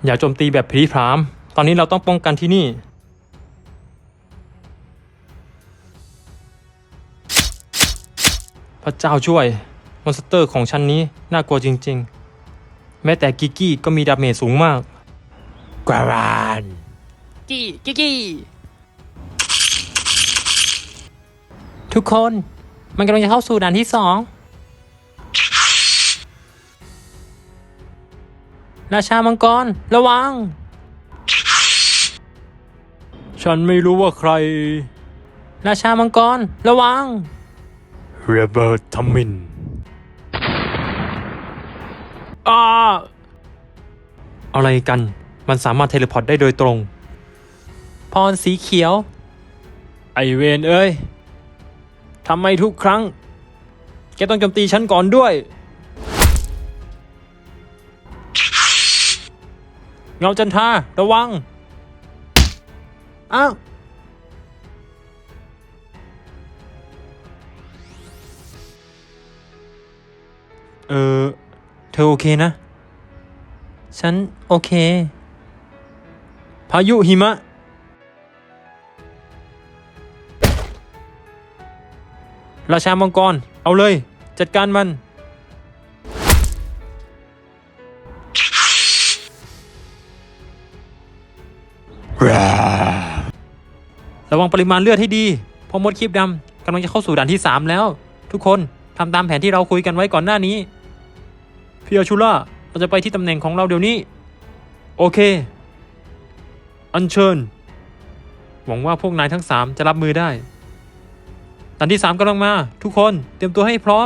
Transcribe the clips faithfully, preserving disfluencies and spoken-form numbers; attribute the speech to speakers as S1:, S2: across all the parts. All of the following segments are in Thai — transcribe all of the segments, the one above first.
S1: อย่าโจมตีแบบพลีพรามตอนนี้เราต้องป้องกันที่นี่พระเจ้าช่วยมอนสเตอร์ของชั้นนี้น่ากลัวจริงๆแม้แต่กิกกี้ก็มีดาเมจสูงมากกวารานกี้กิกกี้ทุกคนมันกำลังจะเข้าสู่ด่านที่สองราชามังกรระวังฉันไม่รู้ว่าใครราชามังกรระวังเรเบิร์ตทัมมินอ้าอะไรกันมันสามารถเทเลพอร์ตได้โดยตรงพรสีเขียวไอเวนเอ้ยทำไมทุกครั้งแกต้องโจมตีฉันก่อนด้วยเงาจันทราระวังอ้าวเออเธอโอเคนะฉันโอเคพายุหิมะราชามังกรเอาเลยจัดการมันระวังปริมาณเลือดให้ดีเพราะมดคีบดำกำลังจะเข้าสู่ด่านที่สามแล้วทุกคนทำตามแผนที่เราคุยกันไว้ก่อนหน้านี้พี่อาชูล่าเราจะไปที่ตำแหน่งของเราเดี๋ยวนี้โอเคอัญเชิญหวังว่าพวกนายทั้งสามจะรับมือได้ด่านที่สามกำลังมาทุกคนเตรียมตัวให้พร้อม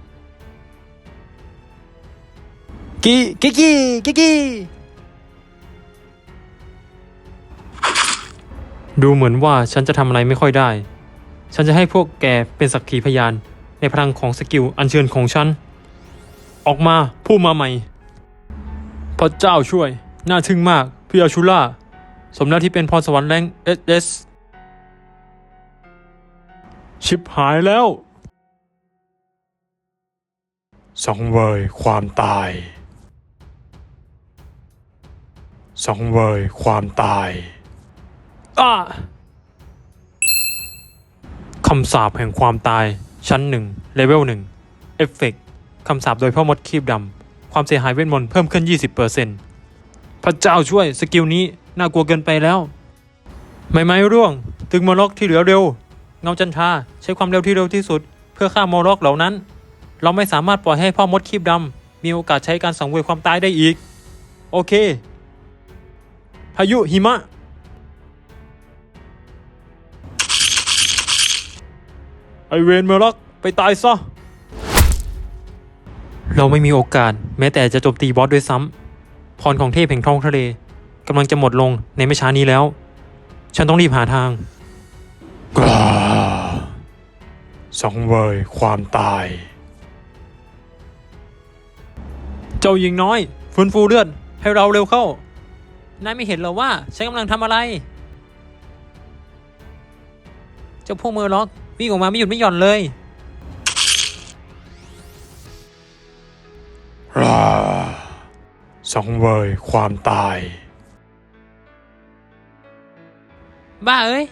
S1: กิกิกิกิกิดูเหมือนว่าฉันจะทำอะไรไม่ค่อยได้ฉันจะให้พวกแกเป็นสักขีพยานในพลังของสกิลอัญเชิญของฉันออกมาผู้มาใหม่พระเจ้าช่วยน่าทึ่งมากพี่อาชูล่าสมแล้วที่เป็นพรสวรรค์แรงเอสเอสชิบหายแล้วสังเวยความตายสังเวยความตายอ้าคำสาปแห่งความตายชั้นหนึ่งเลเวลหนึ่งเอฟเฟกต์คำสาปโดยพ่อมดคีบดำความเสียหายเวทมนต์เพิ่มขึ้น ยี่สิบเปอร์เซ็นต์ พระเจ้าช่วยสกิลนี้น่ากลัวเกินไปแล้วไม่ไม้ร่วงตึงมอล็อกที่เหลือเร็วเงาจันทราใช้ความเร็วที่เร็วที่สุดเพื่อฆ่ามอล็อกเหล่านั้นเราไม่สามารถปล่อยให้พ่อมดคีบดำมีโอกาสใช้การสังเวยความตายได้อีกโอเคพายุหิมะไอเวนเมอร์ล็อกไปตายซะเราไม่มีโอกาสแม้แต่จะโจมตีบอสด้วยซ้ำพรของเทพแห่งท้องทะเลกำลังจะหมดลงในไม่ช้านี้แล้วฉันต้องรีบหาทางกล้าสังเวยความตายเจ้าหญิงน้อยฟื้นฟูเลือดให้เราเร็วเข้านายไม่เห็นเหรอว่าฉันกำลังทำอะไรเจ้าพวกเมอร์ล็อกวิ่งออกมาไม่หยุดไม่หย่อนเลยราสังเวยความตายบ้าเอ้ย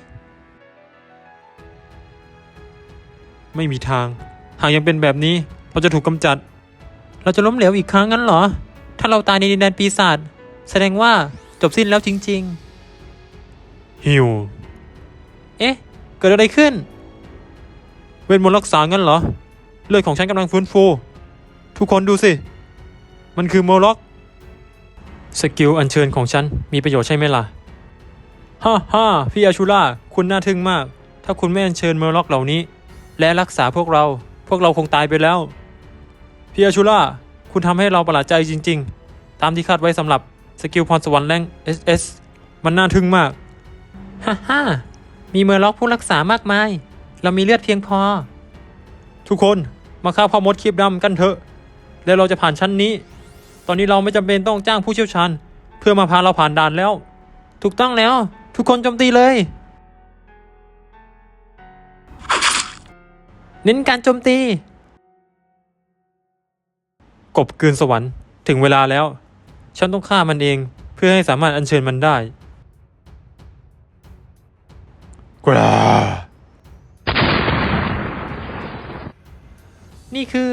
S1: ไม่มีทางหากยังเป็นแบบนี้เราจะถูกกำจัดเราจะล้มเหลวอีกครั้งงั้นเหรอถ้าเราตายในดินแดนปีศาจแสดงว่าจบสิ้นแล้วจริงๆฮิวเอ๊ะเกิดอะไรขึ้นเวทมนต์รักษางั้นเหรอเลือดของฉันกำลังฟื้นฟูทุกคนดูสิมันคือโมล็อกสกิลอัญเชิญของฉันมีประโยชน์ใช่ไหมล่ะฮ่าฮ่าพี่อาชูล่าคุณน่าทึ่งมากถ้าคุณไม่อัญเชิญโมล็อกเหล่านี้และรักษาพวกเราพวกเราคงตายไปแล้วพี่อาชูล่าคุณทำให้เราประหลาดใจจริงๆตามที่คาดไว้สำหรับสกิลพรสวรรค์แรง เอส เอส มันน่าทึ่งมากฮ่าฮ่ามีโมล็อกผู้รักษามากมายเรามีเลือดเพียงพอทุกคนมาฆ่าพ่อมดคีบดำกันเถอะแล้วเราจะผ่านชั้นนี้ตอนนี้เราไม่จำเป็นต้องจ้างผู้เชี่ยวชาญเพื่อมาพาเราผ่านด่านแล้วถูกต้องแล้วทุกคนโจมตีเลยเน้นการโจมตีกบกืนสวรรค์ถึงเวลาแล้วฉันต้องฆ่ามันเองเพื่อพื่อให้สามารถอัญเชิญมันได้กรานี่คือ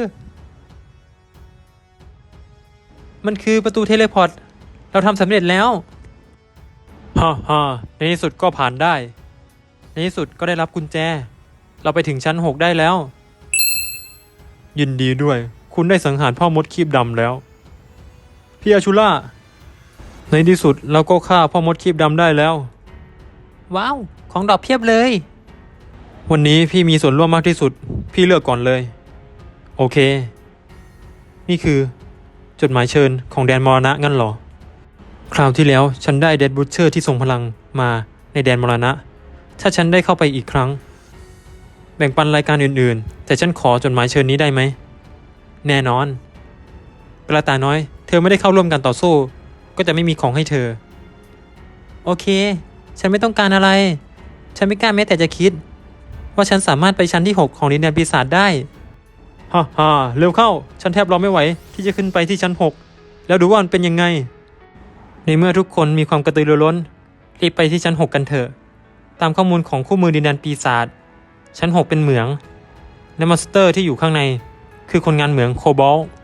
S1: มันคือประตูเทเลพอร์ต เราทำสำเร็จแล้วฮ่าฮ่าในที่สุดก็ผ่านได้ ในที่สุดก็ได้รับกุญแจ เราไปถึงชั้นหกได้แล้ว ยินดีด้วย คุณได้สังหารพ่อมดคีบดำแล้ว พี่อาชูล่า ในที่สุดเราก็ฆ่าพ่อมดคีบดำได้แล้ว ว้าว ของดอกเพียบเลย วันนี้พี่มีส่วนร่วมมากที่สุด พี่เลือกก่อนเลย โอเค นี่คือจดหมายเชิญของแดนมรณะงั้นเหรอ คราวที่แล้วฉันได้เดดบูชเชอร์ที่ทรงพลังมาในแดนมรณะ ถ้าฉันได้เข้าไปอีกครั้ง แบ่งปันรายการอื่นๆ แต่ฉันขอจดหมายเชิญนี้ได้ไหม แน่นอนกระต่ายน้อย เธอไม่ได้เข้าร่วมการต่อสู้ ก็จะไม่มีของให้เธอ โอเค ฉันไม่ต้องการอะไร ฉันไม่กล้าแม้แต่จะคิด ว่าฉันสามารถไปชั้นที่หกของดินแดนปีศาจได้ฮ่าฮ่าเร็วเข้า ฉันแทบรอไม่ไหวที่จะขึ้นไปที่ชั้นหกแล้วดูว่ามันเป็นยังไง ในเมื่อทุกคนมีความกระตือรือร้นรีบไปที่ชั้นหกกันเถอะ ตามข้อมูลของคู่มือดินแดนปีศาจชั้นหกเป็นเหมืองและมอนสเตอร์ที่อยู่ข้างในคือคนงานเหมืองโคบอลต์